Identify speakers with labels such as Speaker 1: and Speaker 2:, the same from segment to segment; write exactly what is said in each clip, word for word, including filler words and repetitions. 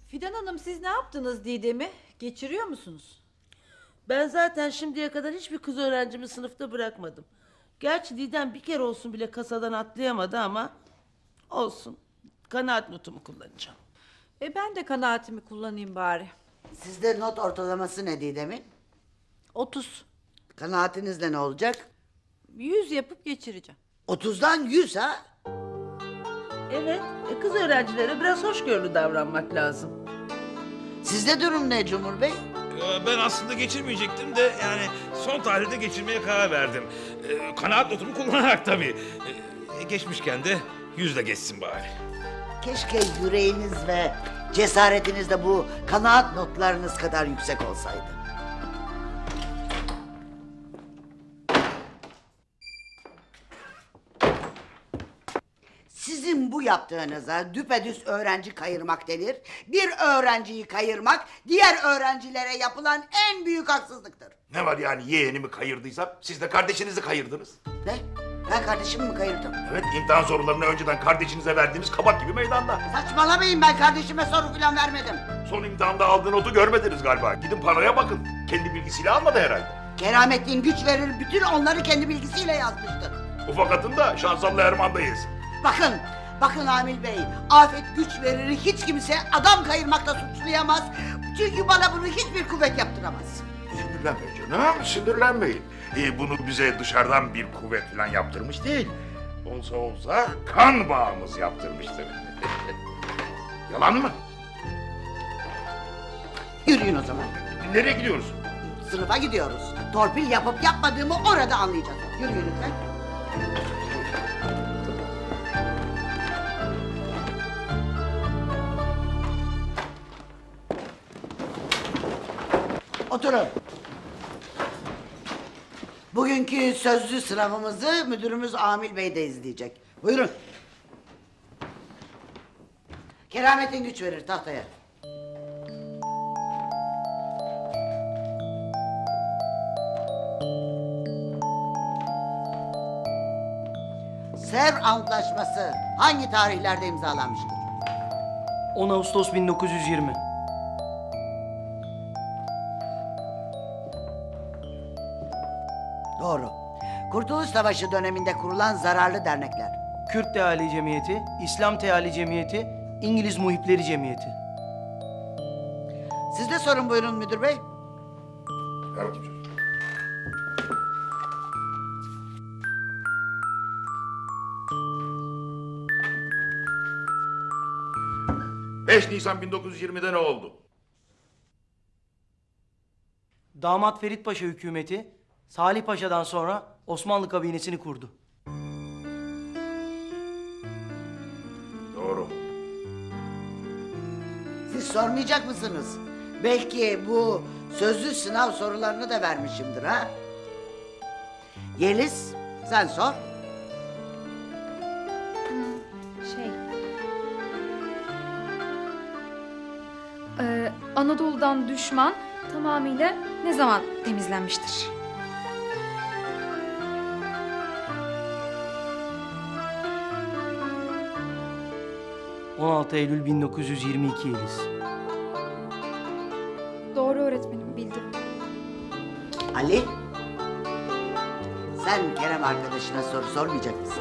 Speaker 1: Fidan Hanım, siz ne yaptınız Didem'i? Geçiriyor musunuz?
Speaker 2: Ben zaten şimdiye kadar hiçbir kız öğrencimi sınıfta bırakmadım. Gerçi Didem bir kere olsun bile kasadan atlayamadı ama olsun. Kanaat notumu kullanacağım.
Speaker 1: E ben de kanaatimi kullanayım bari.
Speaker 3: Sizde not ortalaması ne Didem'in?
Speaker 1: Otuz.
Speaker 3: Kanaatinizle ne olacak?
Speaker 1: Yüz yapıp geçireceğim.
Speaker 3: Otuzdan yüz ha?
Speaker 2: Evet, e, kız öğrencilere biraz hoşgörülü davranmak lazım.
Speaker 3: Sizde durum ne Cumhur Bey?
Speaker 4: Ee, Ben aslında geçirmeyecektim de yani son tarihte geçirmeye karar verdim. Ee, Kanaat notumu kullanarak tabii. Ee, Geçmişken de yüzle geçsin bari.
Speaker 3: Keşke yüreğiniz ve cesaretiniz de bu kanaat notlarınız kadar yüksek olsaydı. Sizin bu yaptığınıza düpedüz öğrenci kayırmak denir. Bir öğrenciyi kayırmak diğer öğrencilere yapılan en büyük haksızlıktır.
Speaker 5: Ne var yani yeğenimi kayırdıysam siz de kardeşinizi kayırdınız.
Speaker 3: Ne? Ben kardeşimi mi kayırdım?
Speaker 5: Evet, imtihan sorularını önceden kardeşinize verdiğiniz kabak gibi meydanda.
Speaker 3: Saçmalamayın, ben kardeşime soru falan vermedim.
Speaker 5: Son imtihanda aldığı notu görmediniz galiba. Gidin panoya bakın. Kendi bilgisiyle almadı herhalde.
Speaker 3: Keramettin güç verir, bütün onları kendi bilgisiyle yazmıştır.
Speaker 5: Ufak atın da Şansallı Erman'dayız.
Speaker 3: Bakın, bakın Amil Bey, afet güç verir, hiç kimse adam kayırmakla suçlayamaz. Çünkü bana bunu hiçbir kuvvet yaptıramaz.
Speaker 5: Sinirlenmeyin canım, sinirlenmeyin. Ee, bunu bize dışarıdan bir kuvvet falan yaptırmış değil. Olsa olsa kan bağımız yaptırmıştır. Yalan mı?
Speaker 3: Yürüyün o zaman.
Speaker 5: Nereye gidiyoruz?
Speaker 3: Sınıfa gidiyoruz. Torpil yapıp yapmadığımı orada anlayacağız. Yürüyün lütfen. Oturun. Bugünkü sözlü sınavımızı müdürümüz Amil Bey de izleyecek. Buyurun. Kerametin güç verir tahtaya. Sevr Antlaşması hangi tarihlerde imzalanmıştır?
Speaker 6: on Ağustos bin dokuz yüz yirmi.
Speaker 3: Doğru. Kurtuluş Savaşı döneminde kurulan zararlı dernekler.
Speaker 6: Kürt Teali Cemiyeti, İslam Teali Cemiyeti, İngiliz Muhipleri Cemiyeti.
Speaker 3: Siz de sorun buyurun müdür bey.
Speaker 5: Ver bakayım çocuğum. beş Nisan bin dokuz yüz yirmide ne oldu?
Speaker 6: Damat Ferit Paşa hükümeti, Salih Paşa'dan sonra Osmanlı kabinesini kurdu.
Speaker 5: Doğru.
Speaker 3: Siz sormayacak mısınız? Belki bu sözlü sınav sorularını da vermişimdir ha? Yeliz, sen sor.
Speaker 7: Şey... Ee, Anadolu'dan düşman tamamıyla ne zaman temizlenmiştir?
Speaker 6: on altı Eylül bin dokuz yüz yirmi iki Yeliz.
Speaker 7: Doğru öğretmenim, bildim.
Speaker 3: Ali, sen Kerem arkadaşına soru sormayacak mısın?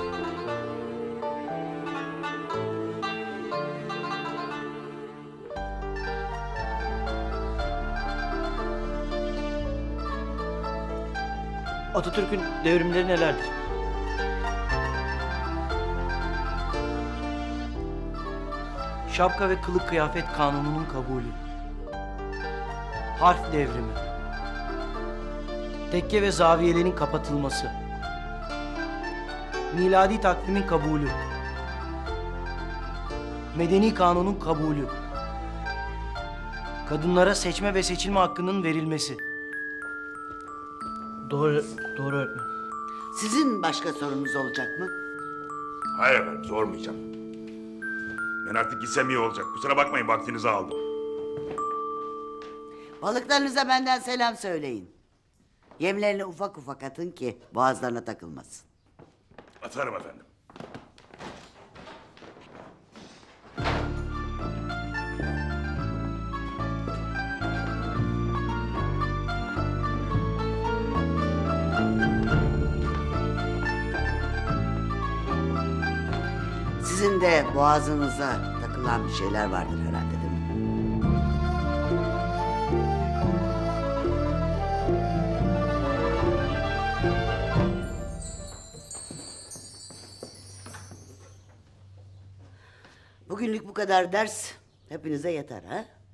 Speaker 6: Atatürk'ün devrimleri nelerdir? Şapka ve kılık kıyafet kanununun kabulü. Harf devrimi. Tekke ve zaviyelerin kapatılması. Miladi takvimin kabulü. Medeni kanunun kabulü. Kadınlara seçme ve seçilme hakkının verilmesi. Doğru, doğru öğretmenim.
Speaker 3: Sizin başka sorunuz olacak mı?
Speaker 5: Hayır efendim, sormayacağım. Ben artık gitsem iyi olacak. Kusura bakmayın, vaktinizi aldım.
Speaker 3: Balıklarınıza benden selam söyleyin. Yemlerini ufak ufak atın ki boğazlarına takılmasın.
Speaker 5: Atarım efendim.
Speaker 3: Sizin de boğazınıza takılan bir şeyler vardır herhalde, değil mi? Bugünlük bu kadar ders hepinize yeter ha?